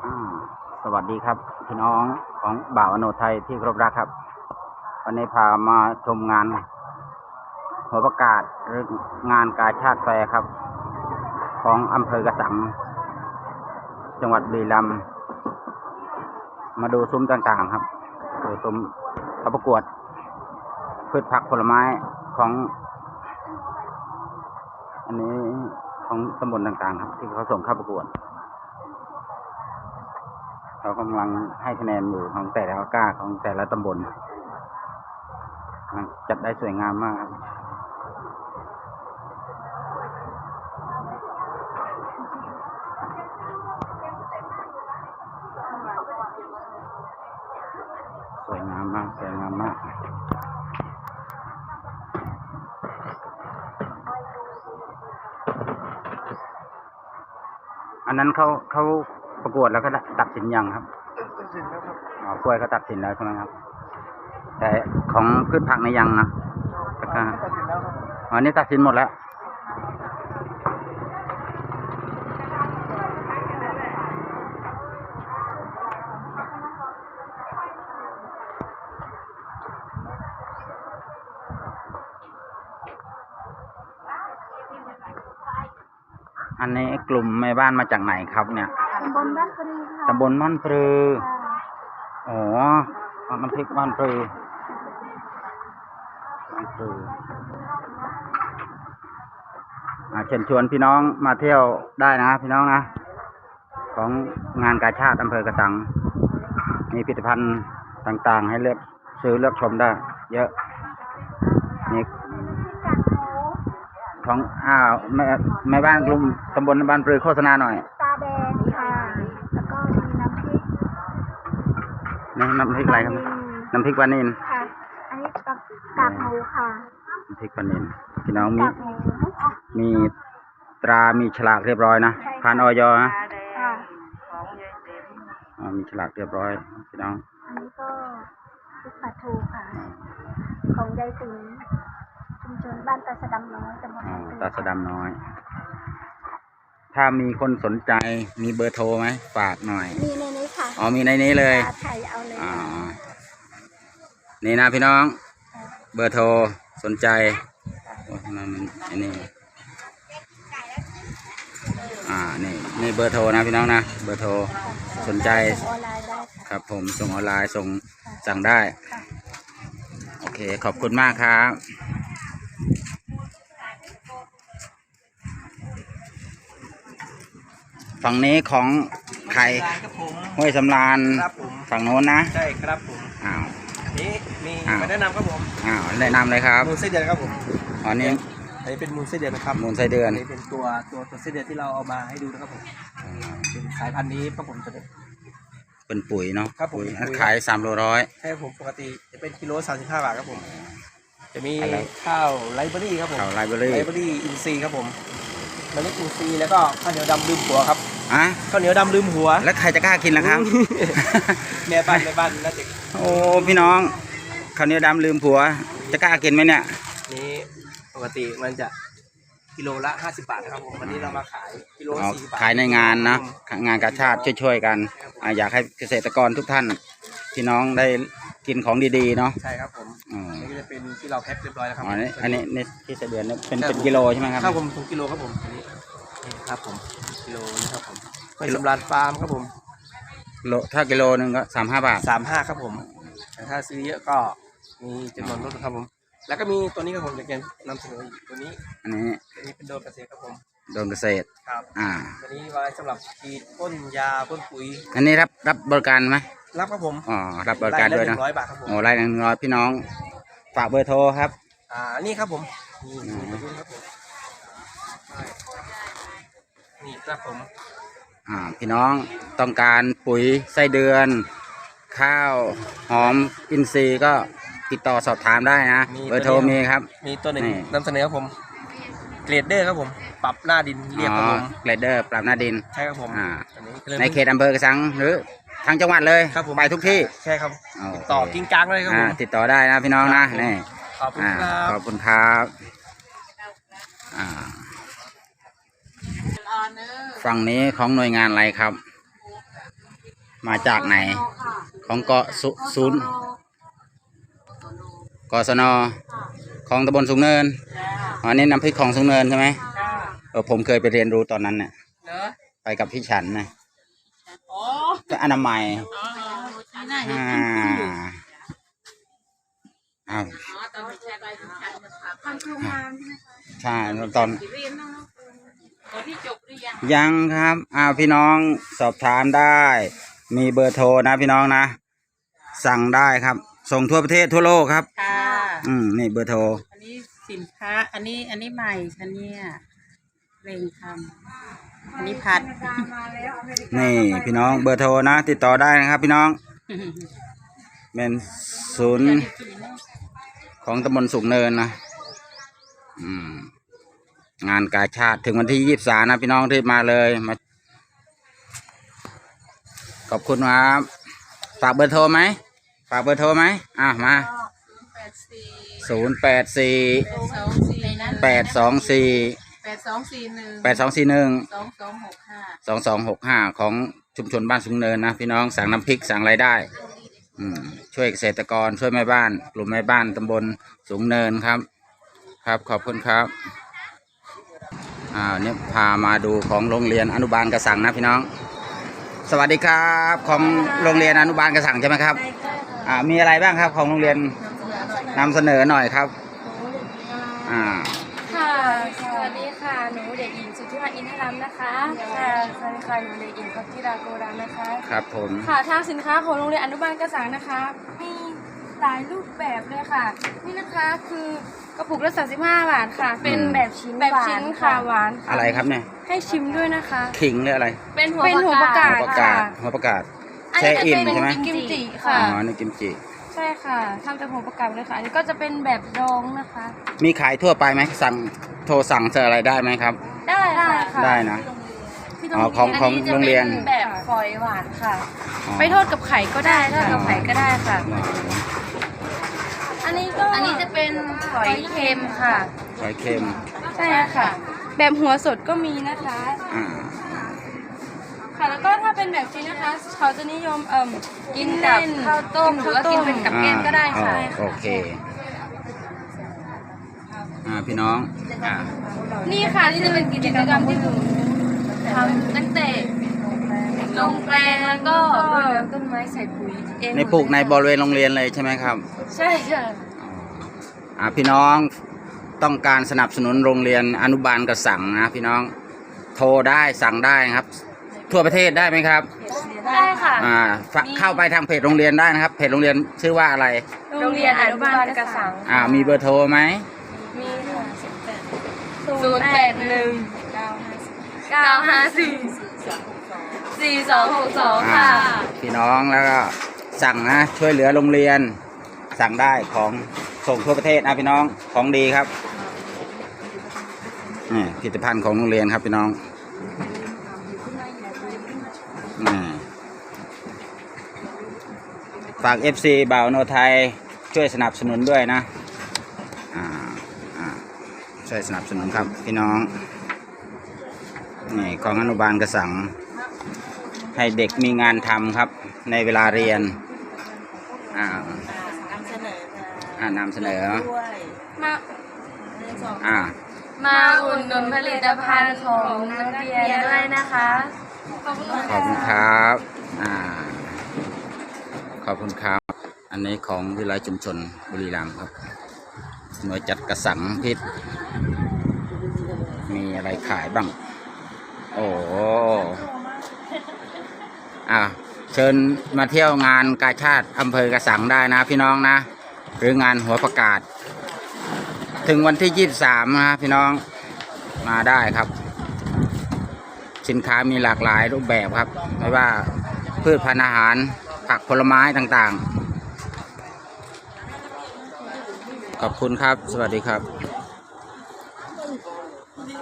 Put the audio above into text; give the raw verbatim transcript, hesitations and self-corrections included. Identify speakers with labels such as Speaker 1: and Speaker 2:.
Speaker 1: สวัสดีครับพี่น้องของบ่าวอโนไทยที่เคารพรักครับวันนี้พามาชมงานหัวประกาศหรืองานกาชาดแฟร์ครับของอำเภอกระสังจังหวัดบุรีรัมย์มาดูซุ้มต่างๆครับดูซุ้มเขาประกวดพืชผักผลไม้ของอันนี้ของตำบลต่างๆครับที่เขาส่งเข้าประกวดเรากำลังให้คะแนนอยู่ของแต่ละก้าของแต่ละตำบลจัดได้สวยงามมากครับสวยงามมากสวยงามมากอันนั้นเขาเขาประกวดแล้วก็ตัดสินยังครับตัดสินแล้วครับอ๋อกล้วยเขาตัดสินแล้วใช่ไหมครับแต่ของพืชผักในยังนะตัดสินแล้วครับอ๋อนี่ตัดสินหมดแล้วอันนี้กลุ่มแม่บ้านมาจากไหนครับเนี่ย
Speaker 2: ตำบลบ้านปรือค่ะ
Speaker 1: ตำบลบ้านปรืออ๋อน้ำพริกบ้านปรือบ้านปรือเชิญชวนพี่น้องมาเที่ยวได้นะพี่น้องนะของงานกาชาดอำเภอกระสังมีผลิตภัณฑ์ต่างๆให้เลือกซื้อเลือกชมได้เยอะนี่ของอ้าวแม่แม่บ้านกลุ่มตำบลบ้านปรือโฆษณาหน่อย
Speaker 2: ตาแดงค่ะแล้วก็มีน้ำพริก
Speaker 1: นี่น้ำพริกอะไรครับน้ำพริกปลานิล
Speaker 2: ค่ะอันนี้กากหมูค่ะ
Speaker 1: น้ำพริกปลานิลพี่น้องมีมีตรามีฉลากเรียบร้อยนะผ่านออยนะมีฉลากเรียบร้อยพี่น้อง
Speaker 2: อันนี้ก็พริกปลาทูค่ะของยายติ๋มชุมชนบ้านตาสะดำน้อยตำบล
Speaker 1: ตาสะดำน้อยถ้ามีคนสนใจมีเบอร์โทรไหมฝากหน่อย
Speaker 2: มีในนี้ค่ะ
Speaker 1: อ๋อมีในนี้เลย
Speaker 2: ถ่ายเอาเลยอ๋อ
Speaker 1: นี่นะพี่น้องเบอร์โทรสนใจโอ้มันอันนี้อ่านี่นี่เบอร์โทรนะพี่น้องนะเบอร์โทรสนใจครับผมส่งออนไลน์ส่งสั่งได้โอเคขอบคุณมากครับฝั่งนี้ของไข่ห้วยสำราญฝั่งโน้นนะ
Speaker 3: ใช่ครับผม
Speaker 1: อ้าว
Speaker 3: นี่มีมาแนะนำครับผม
Speaker 1: อ้าวแนะนำเลยครับ
Speaker 3: มูลไส้เดือนครับผม
Speaker 1: อันนี้
Speaker 3: อันนี้เป็นมูลไส้เดือนนะครับ
Speaker 1: มูลไส้เดือน
Speaker 3: อันนี้เป็นตัวตัวตัวไส้เดือนที่เราเอามาให้ดูนะครับผมเป็นสายพันธุ์นี้ครับผมจะ
Speaker 1: เป็นปุ๋ยเนาะ
Speaker 3: ครับผม
Speaker 1: ขายสามโลร้อย
Speaker 3: ใช่ผมปกติจะเป็นกิโลสามสิบห้าบาทครับผมจะมีข้าวไรเบอรี่ครับผม
Speaker 1: ข้าวไรเบอรี่
Speaker 3: ไรเบอรี่อินทรีย์ครับผมมันเล็กอินทรีย์แล้วก็ข้าวเหนียวดำลืมหัวครับ
Speaker 1: อ่ะ
Speaker 3: ข้าวเหนียวดำลืมหัว
Speaker 1: แล้วใครจะกล้ากินล่ะครับ
Speaker 3: แม่บ้านแม่บ้านน่าจะ
Speaker 1: โอ้พี่น้องข้าวเหนียวดำลืมผัวจะกล้ากินไหมเนี่ย
Speaker 3: นี่ปกติมันจะกิโลละห้าสิบบาทนะครับผมวันนี้เรามาขายกิโลสี่สิบบาท
Speaker 1: ขายในงานนะงานกาชาดช่วยๆกันอยากให้เกษตรกรทุกท่านพี่น้องได้กินของดีๆเนาะ
Speaker 3: ใช่ครับผมนี่ก็จะเป็นที่เราแพ็คเรียบร้อยแล้วครับ
Speaker 1: อันนี้อันนี้ในที่เดือนเป็นเป็นกิโลใช่ไหมครับ
Speaker 3: ครับผมถึงกิโลครับผมอันนี้ครับผมกิโลนะครับผมเป็นสำราญฟาร์มครับผม
Speaker 1: โลถ้ากิโลหนึ่งก็สามห้าบาท
Speaker 3: สามห้าครับผมแต่ถ้าซื้อเยอะก็มีจำนวนลดครับผมแล้วก็มีตัวนี้ครับผมจะนำเสนอตัวนี้
Speaker 1: อันนี้
Speaker 3: อันนี้เป็นโดนเกษตรครับผม
Speaker 1: โดนเกษตร
Speaker 3: ครับ
Speaker 1: อ่า
Speaker 3: ตัวนี้ไว้สำหรับฉีดพ่นยาพ่นปุ๋ย
Speaker 1: อันนี้รับรับบริการไหม
Speaker 3: รับครับผม
Speaker 1: อ๋อรับบริการด้วยนะ
Speaker 3: ร้อยบาทครับผม
Speaker 1: โอ้ไล่หนึ่งร้อยพี่น้องฝากเบอร์โทรครับ
Speaker 3: อ่านี่ครับผมนี่นี่ครับผมนี่ครับผม
Speaker 1: อ่าพี่น้องต้องการปุ๋ยไส้เดือนข้าวหอมอินทรีย์ก็ติดต่อสอบถามได้นะเบอร์โทรมีครับ
Speaker 3: มีตัวหนึ่งนำเสนอครับผมเกรดเดอร์ครับผมปรับหน้าดินเรียบครับผม
Speaker 1: เกรดเดอร์ปรับหน้าดิน
Speaker 3: ใช่ครับผม
Speaker 1: อ่าในเขตอำเภอกระสังหรือทางจังหวัดเลยไปทุกที่
Speaker 3: ใช่ครับติดต่อกิ้งกลางเลยครับผม
Speaker 1: ติดต่อได้นะพี่น้องนะนี่
Speaker 3: ขอบคุณครับ
Speaker 1: ขอบคุณครับฝั่งนี้ของหน่วยงานอะไรครับมาจากไหน ของเกาะสุศูนย์กศนของตำบลสูงเนินอันนี้น้ำพริกของสูงเนินใช่ไหมเออผมเคยไปเรียนรู้ตอนนั้นเนี่ยไปกับพี่ฉันนะก็อนามัยอ่าอ้าวใช่ตอนยังครับอ้าวพี่น้องสอบถามได้ มีเบอร์โทรนะพี่น้องนะ สั่งได้ครับ ส่งทั่วประเทศทั่วโลกครับ
Speaker 4: ค่ะ
Speaker 1: อืมนี่เบอร์โทร
Speaker 4: อันนี้สินค้า อันนี้ อันนี้ใหม่ฉันเนี่ยเร่งทำอันนี้ผัด
Speaker 1: นี่พี่น้องเบอร์โทรนะ ติดต่อได้นะครับ พี่น้องเป็นศูนย์ของตำบลสุขเนินนะอืมงานกาชาติถึงวันที่ยี่สิบสามนะพี่น้องที่มาเลยมาขอบคุณครับฝากเบอร์โทรไหมฝากเบอร์โทรไหมอ่ะมาศูนย์แปดสี่แปดสองสี่
Speaker 4: แปดสองสี่หนึ่ง
Speaker 1: แปดสองสี่หนึ่ง
Speaker 4: สองสองหกห้า
Speaker 1: สองสองหกห้าของชุมชนบ้านสูงเนินนะพี่น้องสั่งน้ำพริกสั่งรายได้อืมช่วยเกษตรกรช่วยแม่บ้านกลุ่มแม่บ้านตำบลสูงเนินครับครับขอบคุณครับอ่าเนี่ยพามาดูของโรงเรียนอนุบาลกระสังนะพี่น้องสวัสดีครับของโรงเรียนอนุบาลกระสังใช่ไหมครับอ่ามีอะไรบ้างครับของโรงเรียนนำเสนอหน่อยครับอ่า
Speaker 2: ค่ะสวัสดีค่ะหนูเด็กหญิงสุทธิมาอินทรัมนะคะค่ะสวัสดีค่ะหนูเด็กหญิงพัทธิราโกรัมนะคะ
Speaker 1: ครับผม
Speaker 2: ค่ะทางสินค้าของโรงเรียนอนุบาลกระสังนะคะมีหลายรูปแบบเลยค่ะนี่นะคะคือกระปุกละสามสิบห้าบาทค่ะเป็นแบบชิ้นแบบชิ้นค่ะหวาน
Speaker 1: อะไรครับเนี่ย
Speaker 2: ให้ชิมด้วยนะคะ
Speaker 1: ขิงหรืออะไร
Speaker 2: เป็นหัวเป็นหัวประกาศ
Speaker 1: ค่ะหัวประกาศแช่อิ่มใช่ไหม
Speaker 2: กิมจิค่ะ
Speaker 1: อ๋อนี่กิมจิ
Speaker 2: ใช่ค่ะทำจากหัวประกาศเลยค่ะอันนี้ก็จะเป็นแบบดองนะคะ
Speaker 1: มีขายทั่วไปไหมสั่งโทรสั่งเจออะไรได้ไหมครับ
Speaker 2: ได้ค่ะ
Speaker 1: ได้นะอ๋อของของโรงเรียน
Speaker 2: แบบฝอยหวานค่ะไปทอดกับไข่ก็ได้ทอดกับไข่ก็ได้ค่ะอันนี้ก็อันนี้จะเป็นฝอยเค็มค่ะ
Speaker 1: ฝอยเค็ม
Speaker 2: ใช่ค่ะแบบหัวสดก็มีนะคะ
Speaker 1: อ่า
Speaker 2: ค่ะแล้วก็ถ้าเป็นแบบนี้นะคะเขาจะนิยมเอ่มกินกับข้าวต้มหรือว่ากินเป็นกับแกงก็ได้ค่ะ
Speaker 1: โอเคอ่าพี่น้องอ่า
Speaker 2: นี่ค่ะนี่จะเป็นกิจกรรมที่หนูทำตั้งแต่ลงแปลงแล้วก็รดน้ำต้นไม้ใส่ปุ๋ยเอง
Speaker 1: ในปลูกในบริเวณโรงเรียนเลยใช่ไหมครับ
Speaker 2: ใช่ค่ะ
Speaker 1: อ่าพี่น้องต้องการสนับสนุนโรงเรียนอนุบาลกระสังนะพี่น้องโทรได้สั่งได้ครับทั่วประเทศได้ไหมครับ
Speaker 2: ได้ค่ะ
Speaker 1: อ่าเข้าไปทางเพจโรงเรียนได้นะครับเพจโรงเรียนชื่อว่าอะไร
Speaker 2: โรงเรียนอนุบาลกระสัง
Speaker 1: อ่ามีเบอร์โทรไหม
Speaker 2: มีค่ะศูนย์แปดหนึ่งเก้าห้าสี่สี่สองหกสองค่ะ
Speaker 1: พี่น้องแล้วก็สั่งนะช่วยเหลือโรงเรียนสั่งได้ของส่งทั่วประเทศนะพี่น้องของดีครับนี่ผลิตภัณฑ์ของโรงเรียนครับพี่น้องนี่ฝาก เอฟ ซี บ่าวโนไทยช่วยสนับสนุนด้วยนะอ่าอ่าช่วยสนับสนุนครับพี่น้องนี่ของอนุบาลกระสังให้เด็กมีงานทำครับในเวลาเรียนอ่านำเสนออ่านำเสนอ
Speaker 2: มา
Speaker 1: อ่า
Speaker 2: มาอุดหนุนผลิตภัณฑ์ของนักเรียนด้วยนะคะ
Speaker 1: ขอบคุณครับอ่าขอบคุณครับอันนี้ของวิทยาลัยชุมชนบุรีรัมย์ครับหน่วยจัดกระสังพิษมีอะไรขายบ้างโอ้อ่าเชิญมาเที่ยวงานกาชาติอำเภอกระสังได้นะพี่น้องนะหรืองานหัวประกาศถึงวันที่ยี่สิบสามนะพี่น้องมาได้ครับสินค้ามีหลากหลายรูปแบบครับไม่ว่าพืชพันธุ์อาหารผักผลไม้ต่างๆขอบคุณครับสวัสดีครับ